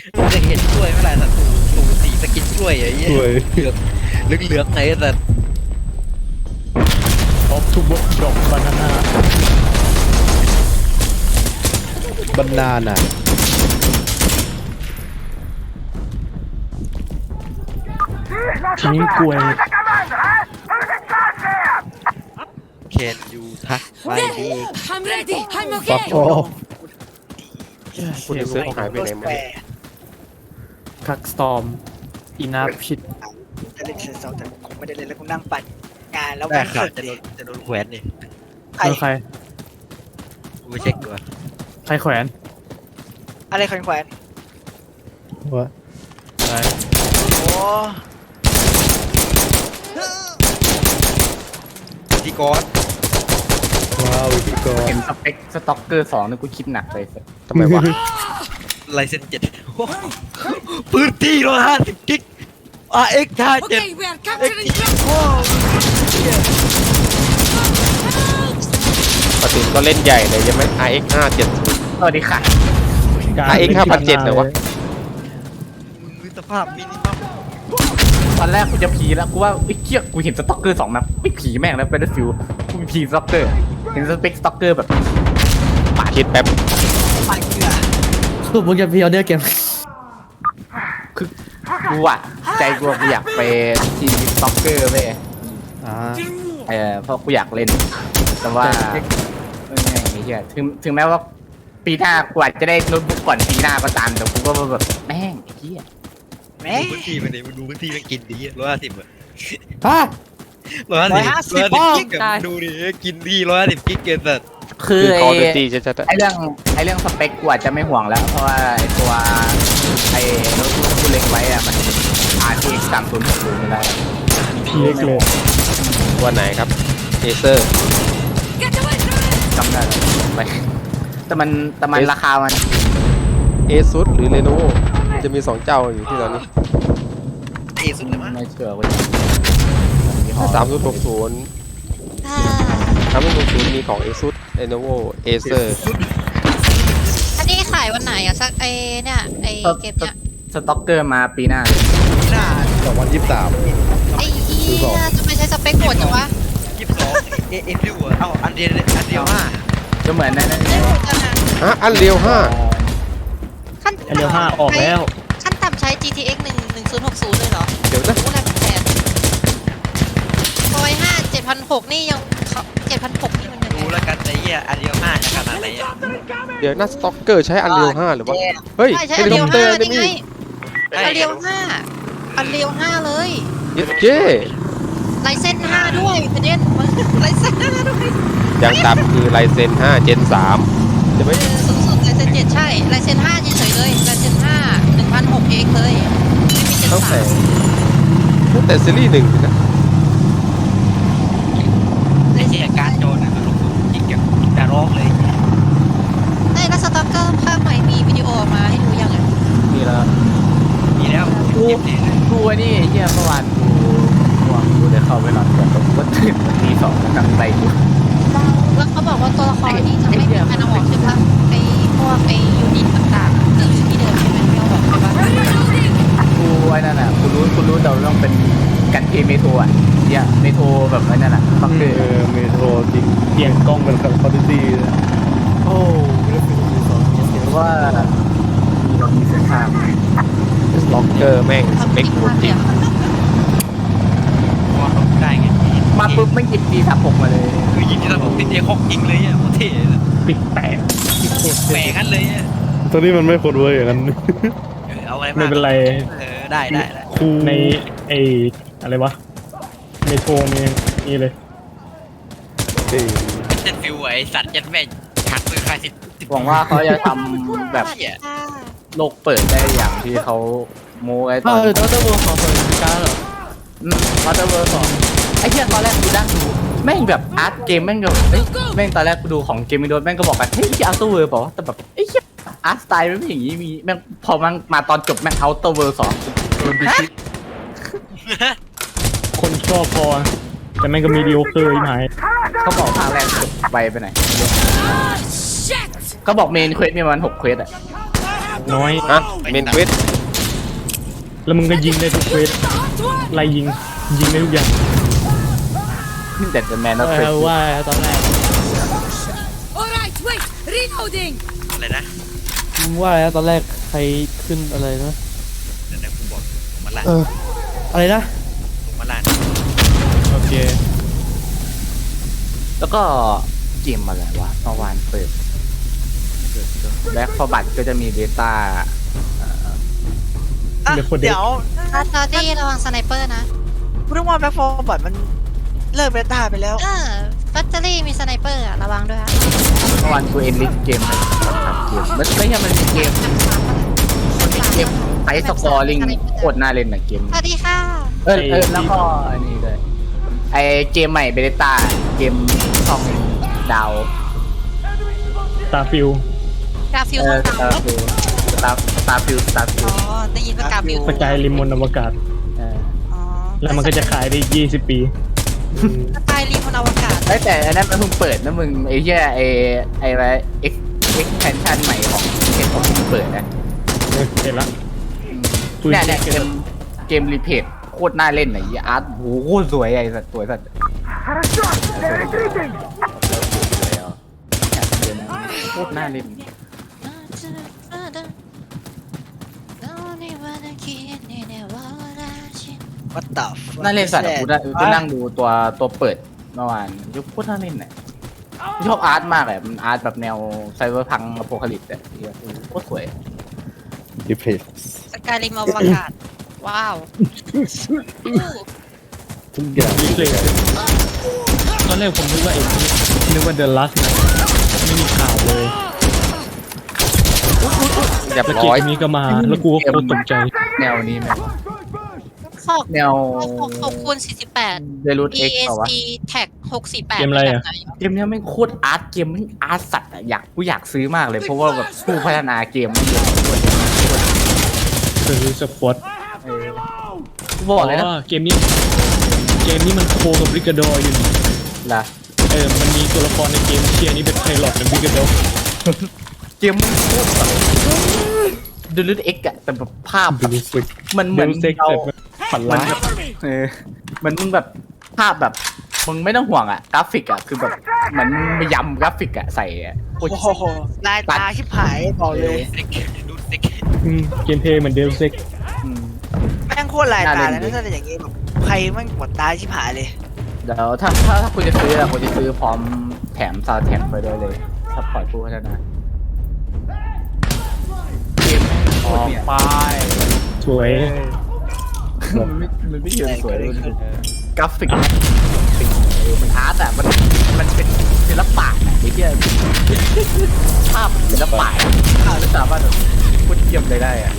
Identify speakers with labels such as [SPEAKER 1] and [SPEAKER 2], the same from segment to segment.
[SPEAKER 1] จะเห็นกล้วยเมื่อไหร่สัตว์สูสีสกินกล้วยไอ้เหี้ย
[SPEAKER 2] กล้วย
[SPEAKER 1] เหลืองไงสัตว์
[SPEAKER 3] ท็อปทุบดอกบานาน่า
[SPEAKER 2] บรรณาน่ะ
[SPEAKER 3] ทีนี้กล้วย
[SPEAKER 1] เคนยูทักไปดี
[SPEAKER 4] I'm ready. I'm
[SPEAKER 2] ฟัก
[SPEAKER 4] okay.
[SPEAKER 2] ออฟ
[SPEAKER 5] คุณเซิร์ฟหายไปไหนหมดเนี่ย
[SPEAKER 3] ทักสตอมอีนาพิษ
[SPEAKER 6] จะเล่นเซนเซอร์แต่ผมไม่ได้เล่นแล้วกูนั่งปั่นงานแล้ว
[SPEAKER 1] ได้
[SPEAKER 6] มัน
[SPEAKER 1] ข่าว
[SPEAKER 6] เกิด
[SPEAKER 1] จะโดนแขวนนี่
[SPEAKER 6] ใคร
[SPEAKER 3] ใคร
[SPEAKER 1] กูไปเช็คดู
[SPEAKER 3] ใครแขวน
[SPEAKER 6] อะไรแขวน
[SPEAKER 2] วะ
[SPEAKER 3] อะไร
[SPEAKER 6] โอ้
[SPEAKER 1] ที่กอด
[SPEAKER 2] ว้าววิธีกร
[SPEAKER 7] เห็นสเปคสต็อกเกอร์2นี่กูคิดหนักเลยสิ
[SPEAKER 5] ทำไมวะ
[SPEAKER 1] ลายเซ็น7พื้นที่150กิกRX 57
[SPEAKER 4] Okay, we are capturing ground.
[SPEAKER 1] โอ้
[SPEAKER 5] ปกติก็เล่นใหญ่เลยใช่ไหม RX 570
[SPEAKER 7] สวัสดีค่ะ
[SPEAKER 5] RX 5,700เหรอวะ
[SPEAKER 1] มึงสภาพมินิมัม
[SPEAKER 7] ตอนแรกกูจะผีแล้วกูว่าไอ้เกี้ยกูเห็นสต็อกเกอร์2แบบไม่ผีแม่งแล้วเป็นฟิวกูมีผีสต็อกเกอร์เห็นสเปคสต็อกเกอร์แบบ
[SPEAKER 5] คิดแป๊บ
[SPEAKER 6] ปั่นเกลือ
[SPEAKER 3] คือมึงจะพีออเดอร์เกม
[SPEAKER 7] คือกูอะใจกูอยากไปทีมสต็อกเกอร์เว้ย
[SPEAKER 2] อ่า
[SPEAKER 7] เพราะกูอยากเล่น แต่ว่าไอ้เหี้ยถึงแม้ว่าปีหน้ากูอาจจะได้โน้ตบุ๊กก่อนปีหน้าก็ตามแต่กูก็แบบแม่งไอ้เหี้ย
[SPEAKER 6] แม่
[SPEAKER 1] ดูพื้นที่มันดิมึงดูพื้นที่มันกินดี150อ่ะ
[SPEAKER 3] ฮะ
[SPEAKER 1] 150กิกอะดูดิกินดี150กิกเกินสัตว์
[SPEAKER 7] คือ
[SPEAKER 5] คือ
[SPEAKER 7] ไอ้
[SPEAKER 5] Call of Duty ชัดๆอะ
[SPEAKER 7] ไอ้เรื่องสเปคกูอาจจะไม่ห่วงแล้ว เพราะว่าไอ้ตัวไอ้โน้ตบุ๊กที่กูเล็งไว้อะมันRTX 3060ไม่ได้
[SPEAKER 3] พีเล็กเลย
[SPEAKER 5] วันไหนครับ Acer
[SPEAKER 4] Get away from it.
[SPEAKER 7] จำได้แล้วไปแต่มันราคามัน
[SPEAKER 5] Asus หรือ Lenovo จะมี 2 เจ้าอยู่ที่ตอนนี้
[SPEAKER 1] เอสุดเลยมั้ง
[SPEAKER 7] ไม่เชื่อเว่ายี่ห้อ
[SPEAKER 5] ถ้า3060มีของ Asus Lenovo Acer
[SPEAKER 8] อันนี้ขายวันไหนอะสักเนี่ยเกมเนี่ย
[SPEAKER 7] สต็อกเกอร์มาปีหน้า
[SPEAKER 1] หน้า
[SPEAKER 2] 2023
[SPEAKER 8] ไอ้เหี้ยทำไมใช้สเปคโหดจังวะ
[SPEAKER 1] 22เอ็นดิวอ่ะเอ้าอันเดียว5
[SPEAKER 7] ก็เหมือนนั่น
[SPEAKER 8] ได้โหดจังอะ
[SPEAKER 5] ฮะ อันเรียว
[SPEAKER 8] ขั้น
[SPEAKER 3] ไอเรียว5ออกแล้ว
[SPEAKER 8] ขั้นต่ำใช้ GTX 1060เลยเหรอ
[SPEAKER 5] 5 เดี๋ยวนะ
[SPEAKER 8] โอ้แรงแสนพอย5 7,600นี่ยัง7,600นี่มันยังไง
[SPEAKER 1] ดูแล้วกันไอ้เหี้ยอันเดียว5จะขนาดไหนอ่ะ
[SPEAKER 5] เดี๋ยวนะสต็อกเกอร์ใช้อันเรียว5หรือวะ เฮ้ย
[SPEAKER 8] ใช่ใช้
[SPEAKER 5] เฮ
[SPEAKER 8] อัน
[SPEAKER 5] ลิ
[SPEAKER 8] เรี
[SPEAKER 5] ค
[SPEAKER 8] ย
[SPEAKER 5] อ
[SPEAKER 8] ว
[SPEAKER 5] ปเตอร์
[SPEAKER 8] 5
[SPEAKER 5] นี่
[SPEAKER 8] นี่
[SPEAKER 5] มี
[SPEAKER 8] ไงอันเรียว5เลย
[SPEAKER 5] ยิสเจ้
[SPEAKER 8] ไลเซน5ด้วยประเด็นไลเซน5ด้วย
[SPEAKER 5] ยังต่ำคือไลเซน5 Gen 3จะไม่
[SPEAKER 8] สูงสุดไลเซน7ใช่ไลเซน5เฉยๆเลยไลเซน5 1,600 เองเลยไม่มีเจน
[SPEAKER 5] ตั้งแต่
[SPEAKER 8] 3
[SPEAKER 5] ตั้งแต่ซีรีส์1นะ
[SPEAKER 1] ไอ้เหี้ยการโจรนะลงทุนยิงกับดาร้องเลย
[SPEAKER 8] ได้แล้วสต็อกเกอร์ภาคใหม่มีวิดีโอออกมาให้ดูยังไง
[SPEAKER 7] นี่แล้ว
[SPEAKER 1] มีแล้วยิบดีเลย
[SPEAKER 7] กูไอ้นี่ไอ้เหี้ยเมื่อวานกูได้เข้าไปนอนก่อนกูตื่นวันที่2กลางใจกู
[SPEAKER 8] แล้วเขาบอกว่าตัวละครนี้จะไม่มีการเอาออกใช่ปะไอ้พวกไอ้ยูนิตต่างๆจะอยู่ที่เดิมใช่ไหมไม่เอาออกใช่ปะ
[SPEAKER 7] กูไอ้นั่นน่ะกูรู้แต่ว่าต้องเป็นกันเกมเมโทรอ่ะเนี่ยเมโทรแบบไอ้นั่นน่ะสต็อกเกอร์
[SPEAKER 2] เมโทรจริงเปลี่ยนกล้องเป็นคอร์ดิตี้
[SPEAKER 3] โอ้ไม่ได้เป็นมือสอง
[SPEAKER 7] หรือว่าเรามีเส้นทาง
[SPEAKER 5] สต็อกเกอร์แม่งสเปคโหดจริง
[SPEAKER 1] พอลงได้ไง
[SPEAKER 7] มาปุ๊บไม่หยิบดีทับผมมาเลย
[SPEAKER 1] คือยิงที่เราบอกติดเอคอกยิงเลยอ่ะโคตรเท่เลย
[SPEAKER 3] ปิดแตก
[SPEAKER 1] แหวกันเลยอ่ะ
[SPEAKER 2] ตอนนี้มันไม่โคตรเวอร์อย่างนั้น
[SPEAKER 1] เอาอะไร
[SPEAKER 3] ไม่เป็นไร
[SPEAKER 1] ได้
[SPEAKER 2] ครู
[SPEAKER 3] ในไออะไรวะเมโทรมีเลย
[SPEAKER 2] เอ้ย
[SPEAKER 1] เส้นฟิวไอ้สัตว์ยัดแม่หักมือใครสิ
[SPEAKER 7] หวังว่าเขาจะทำแบบโลกเปิดได้อย่างที่เขาโม้ไว้ตอน
[SPEAKER 3] ดรเวิร์ของเปิดการเหรอ
[SPEAKER 7] วัตเตอร์เวิร์2ไอ้เหี้ยตอนแรกกูนั่งดูแม่งแบบอาร์ตเกมแม่งก็เอ้ยแม่งตอนแรกกูดูของเกมมิโดนแม่งก็บอกกันเฮ้ยอาร์ตเวิร์บอกว่าแต่แบบไอ้เหี้ยอาร์ตสไตล์มันไม่อย่างงี้มีแม่งพอมันมาตอนจบแม่งเอาเวิร์2
[SPEAKER 3] คนชอบพอ แต่แม่งก็มีดีโอเคอร์อีกหาย
[SPEAKER 7] เขาบอกภาคแรกจบไปไหน
[SPEAKER 4] Shit.
[SPEAKER 7] เขาบอกเมนเควสมีประมาณ6เควสอะ
[SPEAKER 3] น้อย
[SPEAKER 5] ฮะเมนเควส
[SPEAKER 3] แล้วมึงก็ยิงได้ทุกเควส
[SPEAKER 4] The hot one.
[SPEAKER 3] ไล่ยิงได้ทุกอย่าง
[SPEAKER 7] แต่จะแมนแล้วเฟส
[SPEAKER 3] ว่าตอนแรก
[SPEAKER 4] All right, wait. Reloading.
[SPEAKER 1] อะไรนะ
[SPEAKER 9] มึงว่าอะไรนะตอนแรกใครขึ้นอะไรนะ
[SPEAKER 1] เดี๋ยวนะกูบอกผมมาลาด
[SPEAKER 9] อะไรนะ
[SPEAKER 1] ผมมาลาด
[SPEAKER 9] โอเค
[SPEAKER 7] แล้วก็เกมอะไรวะเมื่อวานเปิดแบ็คฟอร์บัตก็จะมีเบต้า
[SPEAKER 6] อ่ะ
[SPEAKER 3] เดี๋ยวคนเด็ก
[SPEAKER 6] เดี๋ยว
[SPEAKER 8] ตอนที่ระวังสไนเปอร์นะ
[SPEAKER 6] พูดถึงว่าแบ็คฟอร์บอดมันเลิกเบต้าไปแล้ว
[SPEAKER 8] แบตเตอรี่มีสไนเปอร์อะระวังด้วยฮะ
[SPEAKER 7] เมื่อวานกูเอ็นลิสเกมเลยเกมไม่ใช่มันมีเกมไอสกอร์ลิงโคตรน่าเล่นนะเกม
[SPEAKER 8] สวัสดีค่ะ
[SPEAKER 7] แล้วก็อันนี้ด้วยไอเกมใหม่เบต้าเกมช่องดาว
[SPEAKER 3] ตาฟิว
[SPEAKER 8] กาฟิล
[SPEAKER 7] เอ
[SPEAKER 8] ท
[SPEAKER 7] อ
[SPEAKER 8] องดาว
[SPEAKER 7] สตาร์ฟิว
[SPEAKER 8] อ๋อ ได้ยินว่ากาฟิล
[SPEAKER 3] สกายริมมนอวกาศ
[SPEAKER 8] อ๋อ
[SPEAKER 3] แล้วมันก็จะขายได้20 ปี
[SPEAKER 8] สกายรีมนอวกาศ
[SPEAKER 7] แต่อันนั้นมันเพิ่งเปิดนะมึงไอ้เหี้ยไอ้อะไรเอ็กแพนชั่นใหม่ของเกมของมึงเปิดนะ
[SPEAKER 3] เห็นละ
[SPEAKER 7] เนี่ยเกมรีเพทโคตรน่าเล่นไหนอาร์ตโหโคตรสวยไอ้สัตว์สวยสัตว์โคตรน่าเล่น
[SPEAKER 6] วัดต่อ
[SPEAKER 7] น่าเล่นสัตว์กูนั่งดูตัวเปิดเมื่อวานยุคโคตรน่าเล่นน่ะชอบอาร์ตมากเลยมันอาร์ตแบบแนวไซเบอร์พังอโพคาลิปส์อ่ะโคตรสวย
[SPEAKER 2] ดิเพส
[SPEAKER 8] สกายรีมอวกาศ ว้าว
[SPEAKER 2] ทุกอย่าง
[SPEAKER 3] รีเพลย์ตอนแรกผมนึกว่านึกว่าเดอะลัสนะไม่มีข่าวเลย
[SPEAKER 7] เรียบ
[SPEAKER 3] แล้วเก
[SPEAKER 7] ร้อย
[SPEAKER 3] มนี้ก็มา แล้วกูก็โคตรตกใจ
[SPEAKER 7] แนวนี้ไหม
[SPEAKER 8] ขอบ
[SPEAKER 7] แนว
[SPEAKER 8] คูณ48
[SPEAKER 7] เดลูดเอ็กซ์เปล่าวะ
[SPEAKER 8] ESC แท็ก648
[SPEAKER 3] เกมอะไรอะ
[SPEAKER 7] เกมเนี้ยแม่งโคตรอาร์ตเกมแม่งอาร์ตสัตว์อะกูอยากซื้อมากเลยเพราะว่าแบบผู้พัฒนาเกมมันเยอะ
[SPEAKER 3] คือสปอต
[SPEAKER 7] กูบอกเลยนะ
[SPEAKER 3] เกมนี้มันโคกับริกาดออยู่นี่
[SPEAKER 7] ล่ะ
[SPEAKER 3] มันมีตัวละครในเกมเชียร์นี่เป็นไพลอตเป็นริกาดอ
[SPEAKER 7] เกมมันโคตรแบบดูลูดเอ็กอะแต่แบบภาพแบบ
[SPEAKER 3] ดูสิ
[SPEAKER 7] มันเหมือน
[SPEAKER 3] เซ็ก
[SPEAKER 7] เรา
[SPEAKER 3] แต่ฝันร้าย
[SPEAKER 7] มันมึงแบบภาพแบบมึงไม่ต้องห่วงอะกราฟิกอะคือแบบเหมือนมายำกราฟิกอะใส่อะโคตร
[SPEAKER 6] โอ้โหลายตาชิบหายบอกเลย
[SPEAKER 1] ซิกดูซิก
[SPEAKER 3] เกมเพลย์เหมือนเดลเซ็ก
[SPEAKER 7] อืม
[SPEAKER 6] แม่งโคตรลายตา
[SPEAKER 7] น่า
[SPEAKER 6] เล
[SPEAKER 7] เล่
[SPEAKER 6] ย
[SPEAKER 7] น
[SPEAKER 6] นะถ้าเป็นอย่างงี้แบบใครแม่งปวดตาชิบหายเลย
[SPEAKER 7] เดี๋ยวถ้าคุณจะซื้ออะคุณจะซื้อพร้อมแถมซาวด์แท็กไปด้วยเลยถ้าปล่อยผู้พัฒนาเกมโคตรเนี่ย
[SPEAKER 3] สวย
[SPEAKER 7] มันไม่เยอะสวยเลยกราฟิกมันอาร์ตอะมันเป็นศิลปะอะไอ้เหี้ยภาพศิลปะภาพที่สามารถแบบพูดเยี่ยมเลยได้อะ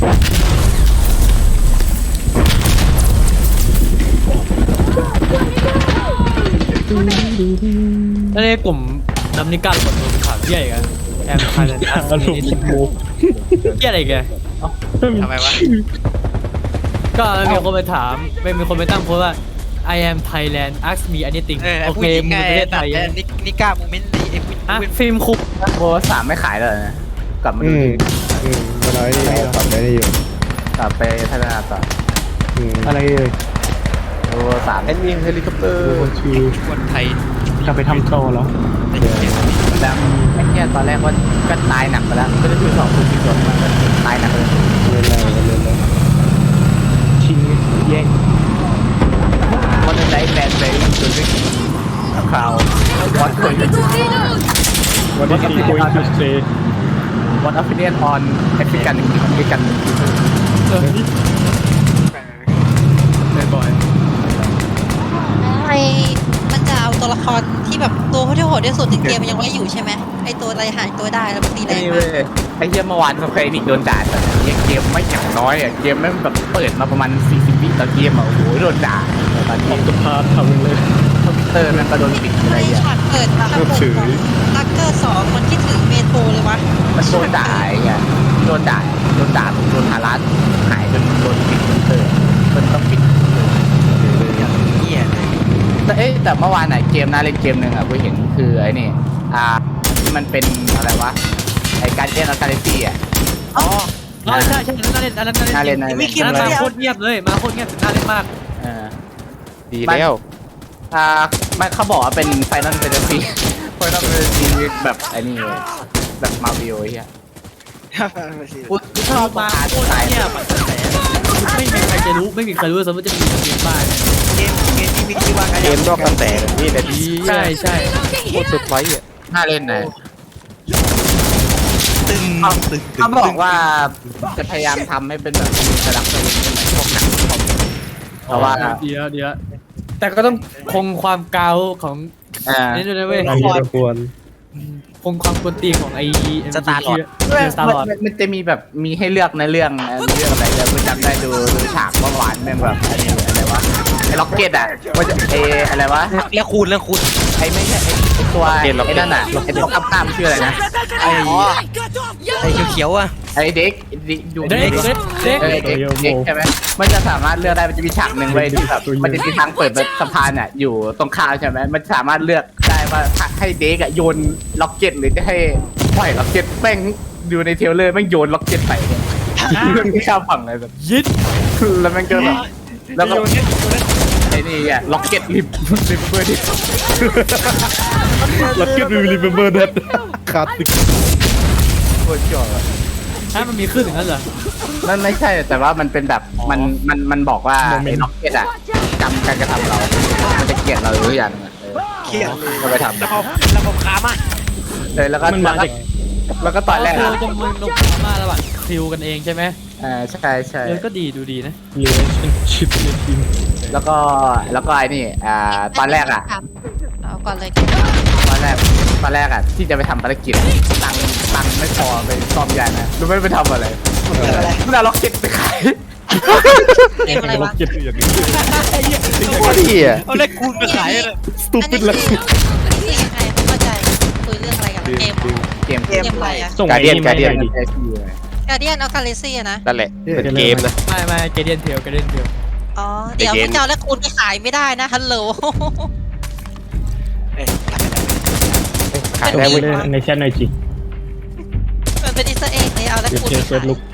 [SPEAKER 9] แล้วในกลุ่มน้ำนิการกดตัวเป็นข่าวเหี้ยอีกอะแอมพายเลยนะ
[SPEAKER 3] อารมณ์โม
[SPEAKER 9] เหี้ยอะไรแก
[SPEAKER 1] ทำไมวะ
[SPEAKER 9] ก็มีคนไปถามมีคนไปตั้งโพสต์ว่า I am Thailand ask me anything
[SPEAKER 1] ไอ้
[SPEAKER 9] โอ
[SPEAKER 1] ผู้
[SPEAKER 9] เค
[SPEAKER 1] หญิง
[SPEAKER 9] มึง
[SPEAKER 1] ไง
[SPEAKER 9] เป็นประเทศไทย
[SPEAKER 1] นิก้าโมเมนต์ไอ้ผู้
[SPEAKER 9] อ่ะฟิล์มคุก
[SPEAKER 7] โบสามไม่ขายแล้วนะกลับมาดูดิ
[SPEAKER 2] มันอะไรนี่ทำได้อยู่
[SPEAKER 7] กลับไปพัฒนาต่อ
[SPEAKER 3] อะไรเลย
[SPEAKER 7] โบสาม
[SPEAKER 5] แอนมีเฮลิคอปเตอร์
[SPEAKER 3] คือ
[SPEAKER 1] คนไทย
[SPEAKER 3] กลับไปทำโตเหรอ
[SPEAKER 1] ในเกม
[SPEAKER 7] แล้วไอ้เหี้ยตอนแรกว่าก็ตายหนักไปแล้วก็จะดูสองคนที่โดนมาตายหนักเลย
[SPEAKER 2] เล่นอะไรก็เล่นแล้ว
[SPEAKER 3] ชิงแย่ง
[SPEAKER 7] วันนั้นได้แบนไปจนไม่กินคราววัดคน
[SPEAKER 4] Ready to reload.
[SPEAKER 3] วันนี้ที่ going to stay
[SPEAKER 7] วัดออฟฟิเนียนออนแอฟริกัน
[SPEAKER 3] ไม่บ่อย
[SPEAKER 8] ไอมันจะเอาตัวละครที่แบบตัวที่โหดที่สุดในเกมมันยังไว้อยู่ใช่ไหมไอตัวอะไรหายตัวได้แล้วมันตีแร
[SPEAKER 7] ไอ้
[SPEAKER 8] ง
[SPEAKER 7] เว้
[SPEAKER 8] มาก
[SPEAKER 7] ยไอ้เหี้ยเมื่อวานสเควอนิกโดนด่าแต่เกมไม่อย่างน้อยอ่ะเกมแม่งแบบเปิดมาประมาณ40 วิต่อเกมอ่ะโอ้โหโดนด่าตอน
[SPEAKER 3] อ
[SPEAKER 7] นี้
[SPEAKER 3] อกสภาพทำเลย
[SPEAKER 7] คอมพิวเตอร์มันก็โดนปิดอะไร
[SPEAKER 8] ไอ
[SPEAKER 7] อย่าง
[SPEAKER 8] ฉากเปิดฉากเปิดของลักเกอร์2มันคิดถึงเมโทรเลยวะ
[SPEAKER 7] มันโดนด่าไอ้เงี้ยโดนด่าโดนฮารัสหายจนโดนปิดคอมพิวเตอร์มันต้องปิด
[SPEAKER 1] เหี้ยเลย
[SPEAKER 7] แต่เมื่อวานไหนเกมน่าเล่นเกมหนึ่งอ่ะกูเห็นคือไอ้นี่ที่มันเป็นอะไรวะไอ้การเดียนออร์กาเนซี่อ่ะ
[SPEAKER 6] อ๋อ
[SPEAKER 9] อ๋อใช่ใช่อันนั้นน่าเล่น
[SPEAKER 7] น่าเล่น
[SPEAKER 6] ไม่เกี่ยว
[SPEAKER 9] อัน
[SPEAKER 6] เล
[SPEAKER 9] นั้น
[SPEAKER 6] ย
[SPEAKER 9] มาโคตรเงียบเลยมาโคตรเงียบถึงน่าเล่นมาก
[SPEAKER 7] เออ
[SPEAKER 5] ดีแล้ว
[SPEAKER 7] มันเขาบอกว่าเป็นไฟนอลเฟนตาซีไฟนอลเฟนตาซีแบบไอ้นี่เลยแบบมาวิโอเฮียกูชอบ
[SPEAKER 9] มา
[SPEAKER 7] อาร์ต
[SPEAKER 9] โคตร
[SPEAKER 7] สไตล์
[SPEAKER 9] เงียบอะไม่มีใครจะรู้ไม่มีใครรู้สมมติจะมีเกมบ้าน
[SPEAKER 6] เกมที่มีชื่อว่า
[SPEAKER 5] เกมนอกกระแสนี่แหละดี
[SPEAKER 9] ใช่ใช่
[SPEAKER 5] โคตรเซอร์ไพรส์อ่ะ
[SPEAKER 7] น่าเล่นนะ
[SPEAKER 1] ตึงตึง
[SPEAKER 7] เขาบอกว่าจะพยายามทำให้เป็นแบบมีสลักสลิงเหมือนพวกหนังคอมเพราะว่า
[SPEAKER 9] เดี๋ยวแต่ก็ต้องคงความเกาของ นี่ด้วยนะเว้ย
[SPEAKER 2] อันนี้ก็ควร
[SPEAKER 9] คงความกวนตีนของไอ้สตาร์ลอด
[SPEAKER 7] มันจะมีแบบมีให้เลือกในเรื่องเรื่องอะไรเดี๋ยวกูจำได้ดูฉากหวานๆแม่งแบบอันนี้อะไรวะไอ้ล็อกเก็ตอ่ะมันจะอะไรวะ
[SPEAKER 1] แล้วคูณแล้วคูณ
[SPEAKER 7] ไอ้ไม่ใช่ไอ้ตัวไอ้นั่นน่ะไอ้ตัวข้ามชื่ออะไรนะ
[SPEAKER 1] ไอ้ไอ้เขียวๆอ่ะ
[SPEAKER 7] ไอ้เด็กดู
[SPEAKER 9] เด็ก
[SPEAKER 7] ใช่ไหมมันจะสามารถเลือกได้มันจะมีฉากหนึ่งไว้ที่แบบมันจะมีทางเปิดสะพานอ่ะอยู่ตรงข้ามใช่ไหมมันสามารถเลือกได้ว่าให้เด็กอ่ะโยนล็อกเก็ตหรือจะให้ปล่อยล็อกเก็ตแม่งดูในเทรลเลอร์แม่งโยนล็อกเก็ตไปเนี่ยไม่ข้ามฝั่งเลยแบบ
[SPEAKER 9] ยิด
[SPEAKER 7] แล้วแม่งก็แบบแล้วก็ไอ้นี่อ่ะล็อกเก็ตริบเบอร์ดิ
[SPEAKER 2] แล้วก็ดูรีเมมเบอร์เด็ดขาดติด
[SPEAKER 7] โคตรจ่อ
[SPEAKER 9] ถ้ามันมีขึ้นอย่างนั้นเหรอ
[SPEAKER 7] มันไม่ใช่แต่ว่ามันเป็นแบบมันบอกว่าไอ้ล็อกเก็ตอ่ะจำการกระทำเรา มันจะเกลียดเราหรือยังเกลียดก็ไปทำ
[SPEAKER 6] ระบบขามา
[SPEAKER 7] เลยแล้วก็
[SPEAKER 3] มันมาจาก
[SPEAKER 7] แล้วก็ตอนแรก
[SPEAKER 9] คือ
[SPEAKER 7] อ่ะ
[SPEAKER 9] จะมึงนกมาระหว่างคิวกันเองใช่ไหม
[SPEAKER 7] ใช่ใช่
[SPEAKER 9] เออก็ดีดูดีนะ
[SPEAKER 3] relationship ในทีม
[SPEAKER 7] แล้วก็ไอ้นี่ตอนแรกอ่ะ
[SPEAKER 8] เอาก่อนเลย
[SPEAKER 7] ตอนแรกอ่ะที่จะไปทำภารกิจตังค์ไม่พอไปซ่อมยานนะรู้ไหมไปทำอะไรมันเอาล็อกเก็ตไปขาย
[SPEAKER 8] เกมอะไรวะ
[SPEAKER 3] เก็บอย่างนี้
[SPEAKER 5] โคตรดีอ่ะ
[SPEAKER 1] เอาเลขคูณมาขายเลย
[SPEAKER 2] สตูปิดแล้ว
[SPEAKER 8] อันนี้คือยังไงไม่เข้าใจคุยเรื่องอะไรกันเกม
[SPEAKER 7] เกม
[SPEAKER 8] เกมอะไรอะ
[SPEAKER 3] ส่ง
[SPEAKER 5] การเดียน
[SPEAKER 3] ไอ้
[SPEAKER 5] การเดียน
[SPEAKER 3] มาให้ดิ
[SPEAKER 8] การเดียนเอาคาเลซี่นะ
[SPEAKER 5] นั่นแหละเป็นเกมนะ
[SPEAKER 9] ไม่เกเดียนเทล
[SPEAKER 8] อ๋อเดี๋ยวพี่เจ้าและคุณไปขายไม่ได้นะฮัลโหล
[SPEAKER 6] เอ้ย
[SPEAKER 5] ขาย
[SPEAKER 3] ส่ง
[SPEAKER 5] ได้
[SPEAKER 3] ไป
[SPEAKER 5] เว้ย
[SPEAKER 3] ในแชทหน่อยจิ
[SPEAKER 8] มันเป็นอิสเอ็กเลยเอาและ
[SPEAKER 3] เดี๋ยว
[SPEAKER 8] คุณ
[SPEAKER 3] เจ
[SPEAKER 8] ไป
[SPEAKER 3] อเฟิ
[SPEAKER 8] ขา
[SPEAKER 3] ร์ส
[SPEAKER 8] ย
[SPEAKER 3] ลุก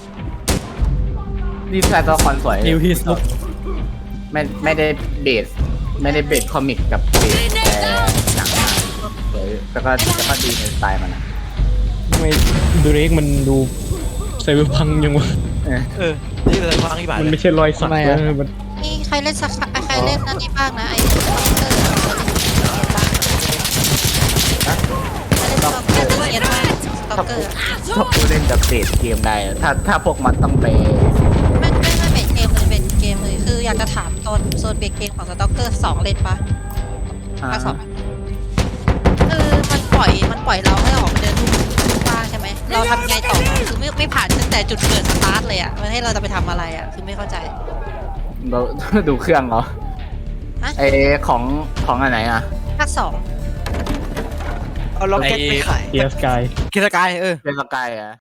[SPEAKER 7] นี่แฟนตัวละครสวย
[SPEAKER 9] นิวฮิสลุก
[SPEAKER 7] ไม่ได้เบสคอมิกกับเบสหนังมาสวยแล้วก็ดีในสไตล์มันนะ
[SPEAKER 3] ทำไมดูเร็กมันดูไซเบอร์พังยังวะ
[SPEAKER 1] นี่เป็นความที่บาด
[SPEAKER 3] มันไม่ใช่รอยสักนะมัน
[SPEAKER 8] นี่ใครเล่นสักใครเล่นนั่นนี่บ้างนะไอ้สต็อกเกอร์เล่นสต็อกเกอร์สต็อกเกอร์
[SPEAKER 7] ชอบผู้เล่นกับเบสเกมได้ถ้าพวกมันต้องไป
[SPEAKER 8] ไม่เบรกเกมเลยเบรกเกมเลยคืออยากจะถามโซนเบรกเกมของสต็อกเกอร์2เล่นปะภาค 2คือมันปล่อยเราให้ออกเดินทุ่งว่างใช่ไหมเราทำไงต่อคือไม่ผ่านตั้งแต่จุดเกิดสตาร์ทเลยอ่ะมันให้เราจะไปทำอะไรอ่ะคือไม่เข้าใจ
[SPEAKER 7] เรา ดูเครื่องเหรอ
[SPEAKER 8] ฮะ
[SPEAKER 7] ไอของอันไหนอ่ะ
[SPEAKER 8] ภาค 2
[SPEAKER 6] เอาล็อกเก็ตไปขาย
[SPEAKER 3] เกียร์สกาย
[SPEAKER 1] กิจการ
[SPEAKER 7] เป็นสกายอ่ะ